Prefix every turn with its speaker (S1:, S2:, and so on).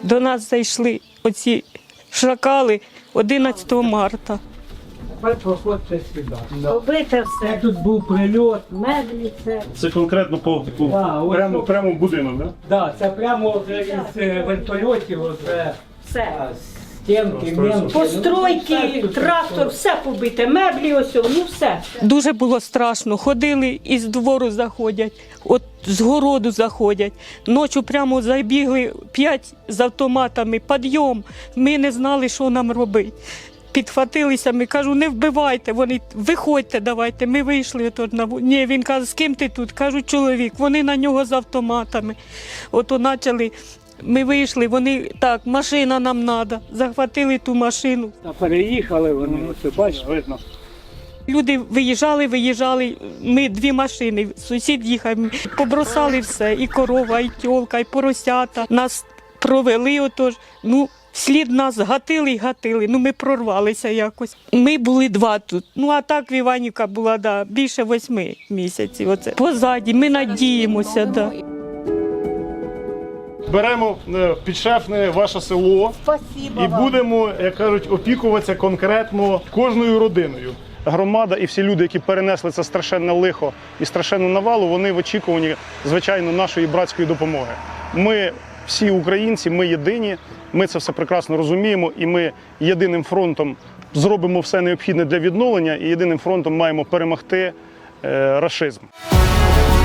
S1: До нас зайшли оці шакали 11 марта.
S2: Тепер проходьте сюди.
S3: Побите
S2: Це
S3: все,
S2: тут був прильот.
S3: меблі, це.
S4: Це конкретно по таку,
S2: Да, ось
S4: прямо в будинок, так?
S2: Да, це прямо вже із вертольотів, вже
S3: Все.
S2: стінки, м'янки.
S3: Постройки, трактор, все побите, меблі ось, ну все.
S1: Дуже було страшно. Ходили із двору заходять, от з городу заходять. Ночі прямо забігли 5 з автоматами, підйом. Ми не знали, що нам робити. Підхватилися, ми кажу, не вбивайте, вони, виходьте, давайте. Ми вийшли тут на Ні, він каже, з ким ти тут? Кажу, чоловік, вони на нього з автоматами. Ото почали, ми вийшли, вони, так, машина нам треба, захватили ту машину.
S2: Переїхали вони, ось бачите.
S4: Видно.
S1: Люди виїжджали, ми 2 машини, сусід їхав, побросали все, і корова, і тьолка, і поросята. Нас провели отож, вслід нас гатили і гатили, ми прорвалися якось. Ми були 2 тут, а так в Іванівка була, більше 8 місяців. Оце. Позаді, ми надіємося, да.
S4: Беремо підшефне ваше село і будемо, як кажуть, опікуватися конкретно кожною родиною. Громада і всі люди, які перенесли це страшенне лихо і страшенну навалу, вони в очікуванні, звичайно, нашої братської допомоги. Ми всі українці, ми єдині, ми це все прекрасно розуміємо, і ми єдиним фронтом зробимо все необхідне для відновлення, і єдиним фронтом маємо перемогти рашизм.